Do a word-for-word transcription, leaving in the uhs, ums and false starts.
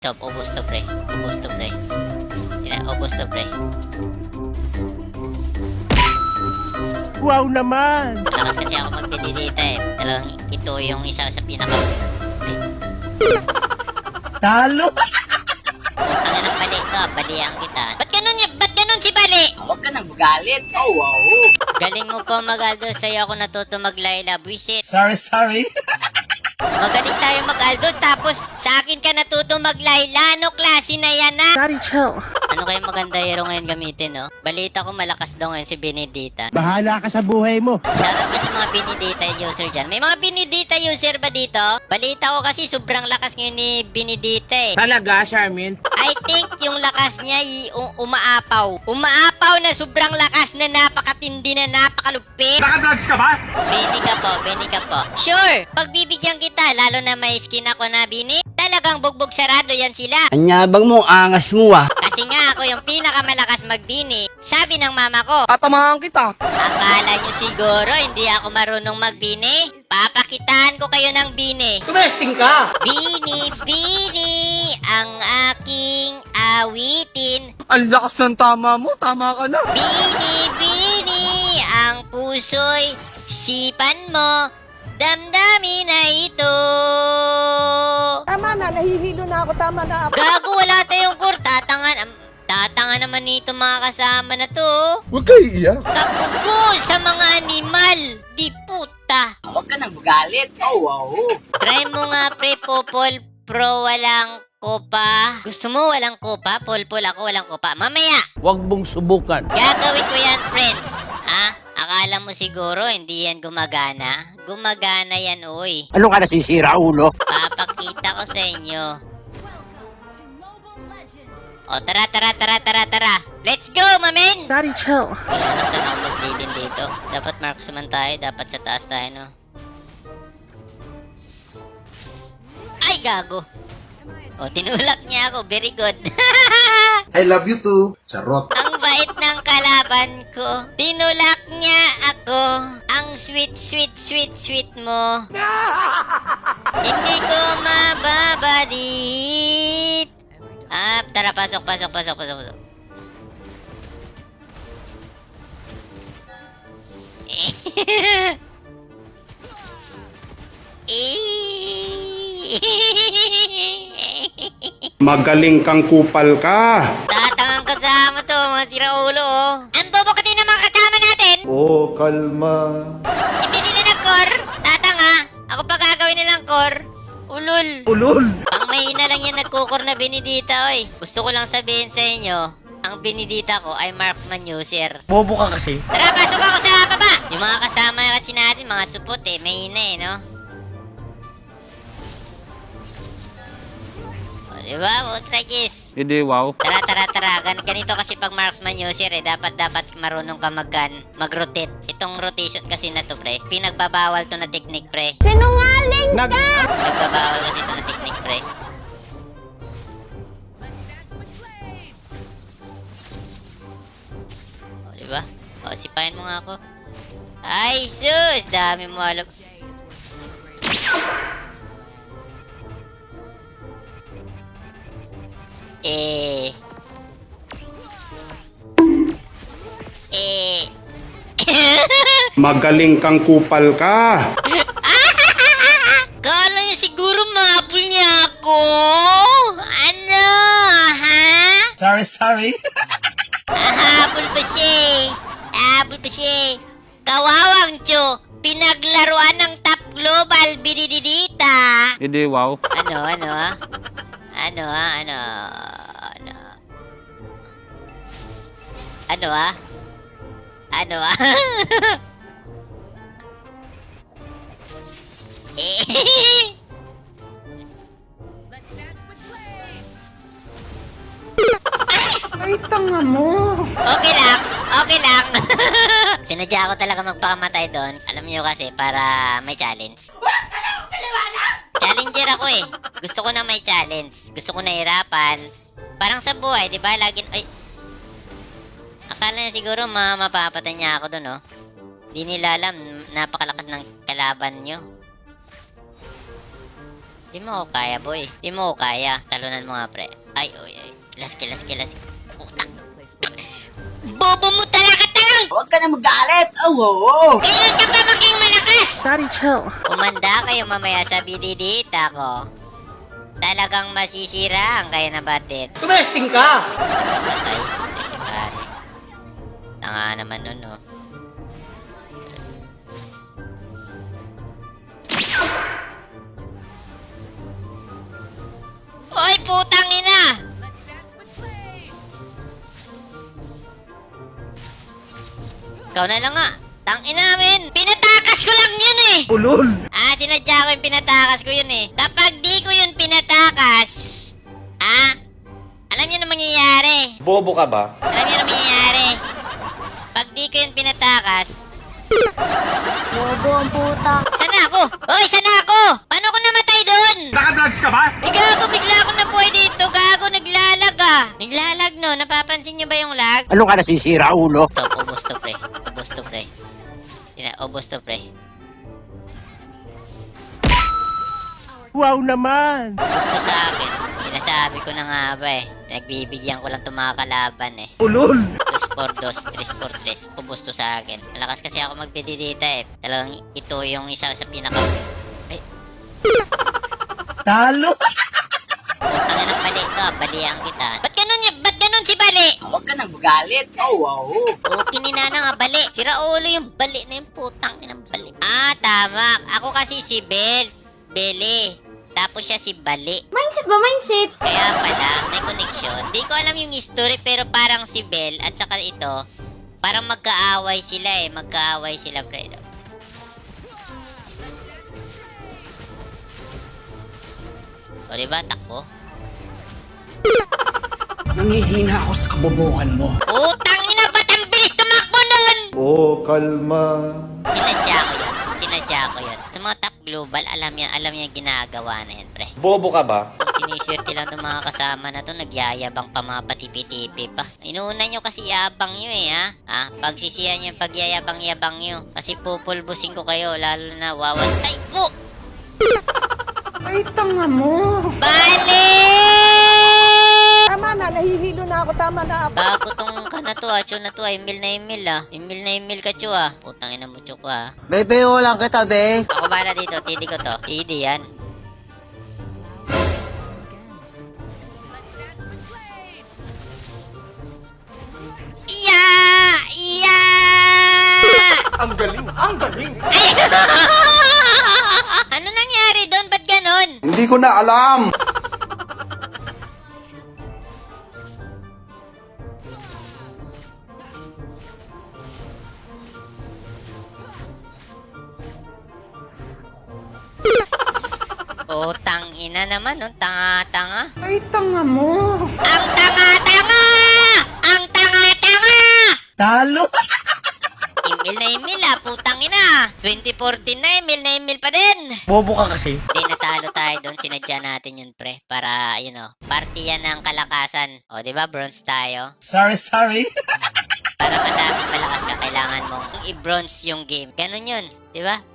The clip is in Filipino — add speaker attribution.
Speaker 1: Top, ubos to pre. Ubos to pre. Sila, ubos to pre.
Speaker 2: Wow naman!
Speaker 1: Malakas kasi ako magpididita eh. Talagang ito yung isa sa pinaka...
Speaker 3: Talo!
Speaker 1: Putang ina ng bali to. Balihan kita. Ba't ganun niya? Ba't ganun si Bali?
Speaker 3: Huwag ka nang magalit. Oh, wow.
Speaker 1: Galing mo po mag-aldo. Sa'yo ako natuto mag-Laila. Buisit.
Speaker 3: Sorry, sorry.
Speaker 1: Magaling tayo mag-aldos. Tapos sa akin ka natuto mag-Laila. Ano klase na yan na?
Speaker 2: Daddy, chill.
Speaker 1: Ano kayong maganda hero ngayon gamitin, no? Balita ko malakas daw ngayon si Benedita.
Speaker 2: Bahala ka sa buhay mo.
Speaker 1: Shoutout ba sa mga Benedita user dyan? May mga Benedita user ba dito? Balita ko kasi sobrang lakas ngayon ni Benedita eh.
Speaker 4: Talaga, Charmin?
Speaker 1: I think yung lakas niya y- u- umaapaw. Umaapaw na sobrang lakas na napakatindi na napakalupit.
Speaker 4: Nakadrugs ka ba?
Speaker 1: Beni ka po, Beni ka po. Sure, pagbibigyan kita, lalo na may skin ako na Bini, talagang bugbog sarado yan sila.
Speaker 3: Anyabang mo, angas mo ah.
Speaker 1: Kasi nga ako yung pinakamalakas magbini. Sabi ng mama ko,
Speaker 3: Tatamahan kita.
Speaker 1: akala nyo siguro hindi ako marunong magbini? Papakitaan ko kayo ng bini.
Speaker 4: Tumesting ka!
Speaker 1: Bini, bini, ang aking awitin.
Speaker 3: Ang lakas ng tama mo, tama ka na.
Speaker 1: Bini, bini, ang puso'y sipan mo. Damdamin na ito.
Speaker 5: Tama na, nahihilo na ako. Tama na ako.
Speaker 1: Gago, wala tayong kur. Tatangan, am- tatanga naman nito mga kasama na to.
Speaker 6: Huwag kayo iiyak.
Speaker 1: Kapugo sa mga animal. Di puta.
Speaker 3: Huwag ka nang magalit. Oh, wow.
Speaker 1: Try mo nga pre, Popol Pro, walang kopa. Gusto mo walang kopa? Polpol ako walang kopa. Mamaya,
Speaker 4: Huwag mong subukan.
Speaker 1: gagawin ko yan, friends. Ha? Akala mo siguro hindi yan gumagana? Gumagana yan, uy.
Speaker 4: Ano ka nasisira, ulo?
Speaker 1: Papakita ko sa inyo. O, tara, tara, tara, tara, tara. Let's go, mamen!
Speaker 2: Daddy, chill.
Speaker 1: Wala na saan ako mag-leadin dito. Dapat marksman tayo. Dapat sa taas tayo, no? Ay, gago. O, tinulak niya ako. Very good.
Speaker 6: I love you too. Charot.
Speaker 1: Ang bait ng kalaban ko. Tinulak niya ako. Ang sweet, sweet, sweet, sweet mo. Hindi ko mababadit. Ah, tara, pasok, pasok, pasok, pasok, pasok.
Speaker 7: Magaling kang kupal ka.
Speaker 1: Tatangang kasama to, mga siraulo, oh. Ang bobo kasi ng mga kasama natin.
Speaker 6: Oh, kalma.
Speaker 1: Hindi sila nag-core. Tatanga. Ako pa gagawin nilang core. Ulol.
Speaker 2: Ulol.
Speaker 1: Ang mahina lang yan nagkukor na Benedita, oy. Gusto ko lang sabihin sa inyo, ang Benedita ko ay marksman user.
Speaker 3: Bobo ka kasi.
Speaker 1: Tara, pasok ako sa baba. Yung mga kasama kasi natin, mga supot eh, mahina eh, no? O, diba? Monstragis.
Speaker 4: Hindi, wow.
Speaker 1: Tara, tara, tara. Gan ganito kasi pag marksman user eh. Dapat, dapat marunong ka mag-gun, mag-rotate. Itong rotation kasi na to, pre. Pinagbabawal to na technique, pre.
Speaker 5: Sinungaling
Speaker 4: Nag...
Speaker 1: Nagbabawal kasi ito na technique, pre. O, diba? O, sipahin mo nga ako. Ay, sus! Dami mo alam. Eh... Eh...
Speaker 7: Magaling kang kupal ka.
Speaker 1: Kala niya siguro mabul niya ako? Ano? Ha?
Speaker 3: Sorry, sorry.
Speaker 1: Ahabol pa siya eh. Ahabol pa siya eh. Kawawang Cho, pinaglaruan ng top global binididita.
Speaker 4: Hindi, wow.
Speaker 1: Ano, ano ah? Ano ah, ano? Ano? Ano ah? Ano ah? eh.
Speaker 3: Ay, tanga mo.
Speaker 1: Okay lang, okay lang. Sinadya ko talaga magpakamatay doon. Alam niyo kasi, para may challenge. Challenger ako eh. Gusto ko na may challenge. Gusto ko na hirapan. Parang sa buhay, di ba? Lagi, ay. Akala niya siguro ma mapapatay niya ako doon, oh. Di nila alam, napakalakas ng kalaban nyo. Di mo ko kaya, boy. Di mo ko kaya. Talunan mo nga, pre. Ay, oy, ay. Kilas, kilas, kilas. Putang. Bobo mo talaga, tang!
Speaker 3: Huwag ka na magalit. Oh, wow.
Speaker 1: Kailan ka pa maging malakas?
Speaker 5: Sorry, chill.
Speaker 1: Kumanda kayo mamaya sa bididita ko. Talagang masisiraan kayo na batid.
Speaker 4: Tumesting ka!
Speaker 1: Patay. Patay si pare. Tanga naman nun, no? Oy, putang ina! Ikaw na lang nga. Tangin namin. Pinatakas ko lang yun eh.
Speaker 2: Ulol!
Speaker 1: Ah, sinadya ko yung pinatakas ko yun eh. Kapag di ko yun pinatakas, ah, alam niyo na mangyayari.
Speaker 3: Bobo ka ba?
Speaker 1: Alam niyo na mangyayari. Pag di ko yun pinatakas,
Speaker 8: Bobo ang puta.
Speaker 1: sana ako? Hoy, sana ako? Paano ko namatay doon?
Speaker 7: Nakadrugs ka ba?
Speaker 1: Ay, gago, bigla ako nabuhay dito. Gago, naglalag ah. Naglalag no, napapansin niyo ba yung lag?
Speaker 4: Ano ka nasisira, ulo?
Speaker 1: Stop, ubos to pre. Ubos to pre. Sina, ubos to pre.
Speaker 2: Wow naman!
Speaker 1: Gusto sa akin. Sinasabi ko na nga ba eh. Nagbibigyan ko lang itong mga kalaban eh.
Speaker 2: Ulol!
Speaker 1: Dos por dos, tres por tres. Ubus to sa akin. Malakas kasi ako magpididita eh. Talagang ito yung isa sa pinaka... Ay,
Speaker 3: Talo.
Speaker 1: putang ina ng bali to. Balian kita. Ba't ganun, y- ba't ganun si Bali?
Speaker 3: Huwag ka na magalit. Oh, wow.
Speaker 1: O, kininana nga bali. Sira ulo yung bali na yung putang ina ng bali. Ah, tama. Ako kasi si Bel. Bele. Tapos siya si Bali.
Speaker 8: Mindset ba? Mindset?
Speaker 1: Kaya pala, may connection. Di ko alam yung history, pero parang si Bel at saka ito, parang magkaaway sila eh. Magkaaway sila, Fredo. O, diba? Takbo.
Speaker 3: Nangihina ako sa kabobohan mo.
Speaker 1: Utang ina, ba't ang bilis tumakbo nun?
Speaker 6: Oh, kalma.
Speaker 1: Sinadya ko yun. Sinadya ko yun. Sa mga top global, alam yan, alam yan ginagawa na yan, pre.
Speaker 3: Bobo ka ba?
Speaker 1: Siniswerte lang ng mga kasama na to, nagyayabang pa mga patipi-tipi pa. Inuuna nyo kasi yabang nyo eh, ha? Ha? Pagsisiyan nyo yung pagyayabang-yabang nyo. Kasi pupulbusin ko kayo, lalo na wawan. Ay, po!
Speaker 3: Ay, tanga mo.
Speaker 1: Bale!
Speaker 5: Tama na, nahihilo na ako. Tama na.
Speaker 1: Bago tong ka na to, ah. Chu na to, ah. Email na email, ah. Email na email ka, Chu, ah. Putang ina mo, Chu, ko, ah.
Speaker 4: Bebe, lang kita, be.
Speaker 1: Ako bala dito, tidi ko to. Tidi yan. Iya! Iya!
Speaker 7: Ang galing! Ang galing!
Speaker 1: Ano nangyari doon? Ba't ganon?
Speaker 6: Hindi ko na alam.
Speaker 1: Putang ina naman, no? Tanga-tanga.
Speaker 3: Ay, tanga mo.
Speaker 1: Ang tanga-tanga! Ang tanga-tanga!
Speaker 3: Talo.
Speaker 1: Email na email, ah. Putang ina. twenty fourteen na, email na email pa din.
Speaker 3: Bobo ka kasi.
Speaker 1: Hindi, natalo tayo doon. Sinadya natin yun, pre. Para, you know, party yan ng kalakasan. O, di ba? Bronze tayo.
Speaker 3: Sorry, sorry.
Speaker 1: Para masabi malakas ka, kailangan mong i-bronze yung game. Ganun yun. Di ba?